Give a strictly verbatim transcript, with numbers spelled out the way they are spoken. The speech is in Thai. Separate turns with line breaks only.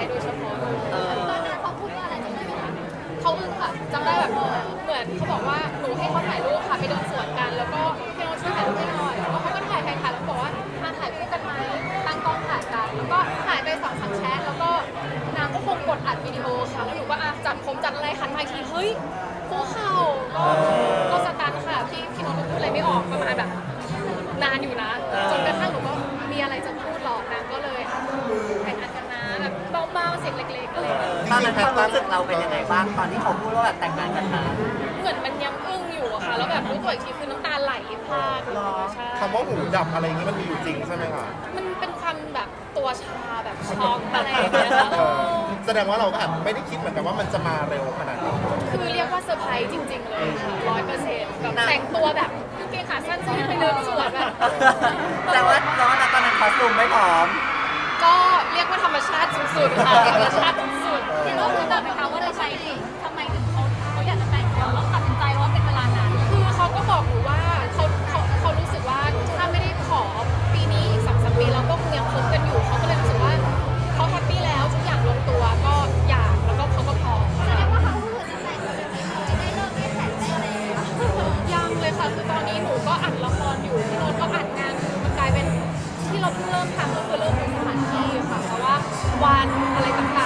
โดยเฉพาะเลย
ตอนนั้นเขาพูดว่าอะไรจำได้ไหมคะ
เขาอึ้งค่ะจำได้แบบเหมือนเขาบอกว่าหนูให้เขาถ่ายรูปค่ะไปเดินสวนกัน แล้วก็พี่โน้ตช่วยถ่ายรูปให้หน่อยแล้วเขาก็ถ่ายถ่ายถ่ายแล้วบอกว่ามาถ่ายคู่กันไหมตั้งกล้องถ่ายกันแล้วก็ถ่ายไปสองสามแชทแล้วก็นางก็คงกดอัดวิดีโอค่ะแล้วหนูก็อ่ะจัดผมจัดอะไรหันมาอีกทีเฮ้ยคู่เข่าก็ก็สตันค่ะพี่พี่โน้ตก็พูดอะไรไม่ออกประมาณแบบนานอยู่นะจนกระทั่งหนูก็มีอะไรจะพูดหรอกนางก็เลยถ่ายงานกันนะแบบเบาๆเสียงเล็กๆอะไรอย่างเงี้ย
ตอนนั้นความรู้สึกเราเป็นยังไงบ้างตอนที่เขาพูดว่าแบบแต่งงานกันมา
เหมือนมันยังอึ้งอยู่อะค่ะแล้วแบบรู้ตัวอีกทีคือน้ำตาไหลพรากเลยใช่
คำว่าหูดับอะไรอย่างนี้มันมีอยู่จริงใช่ไหมคะ
มันเป็นความแบบตัวชาแบบช็อกอะไรอย่างเงี้ยค่ะ
เออแสดงว่าเราก็อาจไม่ได้คิดเหมือนกันว่ามันจะมาเร็วขนาดนี้
คือเรียกว่าเซอร์ไพรส์จริง ๆ เลยค่ะร้อยเปอร์เซ็นต์แบบแต่งตัวแบบกางเกงขาสั้นใส่ไปเดินสวนแบบ
แต่ว่าแต่ว่าตอนนั้นคอสตูมไม่พร้อม
ก็เรียกว่าธรรมชาติสุดๆค่ะธรรมชาติสุด
พี่โน้ตรู้ไหมคะว่าทำไมทำไมถึงเขาเขาอยากจะแต่งงานแล้วตัดสินใจว่าเป็นเวลานาน
ๆคือเขาก็บอกหนูว่าเขาเขาเขารู้สึกว่าถ้าไม่ได้ขอปีนี้อีกสองสามปีเราก็คงยังคบกันอยู่เขาก็เลยรู้สึกว่าเขาแฮปปี้แล้วทุกอย่างลงตัวก็อยากแล้วก็เขาก็พร้อม
แสดงว่าเขาเพิ่งตัดสินใจแบบนี้เขาไม่ได้เลิกไม่แต่งได้อะไรเลยนะ
ยังเลยค่ะคือตอนนี้หนูก็อัดละครอยู่พี่โน้ตก็อัดงานอยู่มันกลายเป็นที่เราเพิ่งเริ่มทำก็คือเริ่มเป็นสถานที่ค่ะเพราะว่าวันอะไรต่าง